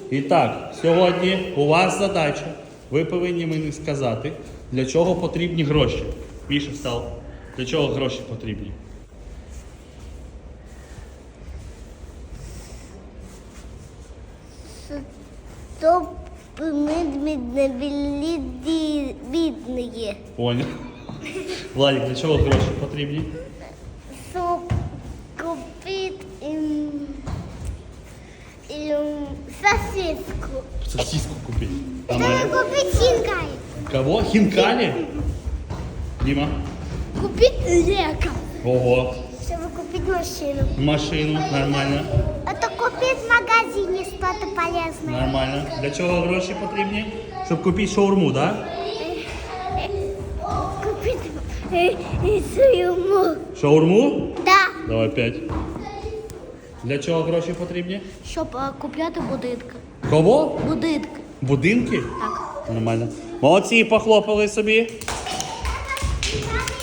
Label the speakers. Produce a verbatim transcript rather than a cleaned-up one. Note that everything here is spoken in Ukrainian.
Speaker 1: І так, сьогодні у вас задача. Ви повинні мені сказати, для чого потрібні гроші. Міша встав. Для чого гроші потрібні?
Speaker 2: Щоб ми не були бідні.
Speaker 1: Понял. Владик, для чого гроші потрібні?
Speaker 2: Щоб купити ем, ем, сосиску.
Speaker 1: Сосиску купити.
Speaker 2: Щоб купити хінкалі.
Speaker 1: Кого? Хінкалі? Діма?
Speaker 2: Купити лекар.
Speaker 1: Ого.
Speaker 2: Щоб купити машину.
Speaker 1: Машину. Нормально.
Speaker 2: Это купить в магазине что-то полезное.
Speaker 1: Нормально. Для чого гроші потрібні? Щоб купити шаурму, так?
Speaker 2: Купить э, э, своему.
Speaker 1: Шаурму?
Speaker 2: Да.
Speaker 1: Давай п'ять. Для чого гроші потрібні?
Speaker 2: Щоб е, купляти будинки.
Speaker 1: Кого?
Speaker 2: Будинки.
Speaker 1: Будинки?
Speaker 2: Так.
Speaker 1: Нормально. Молодці, похлопали собі.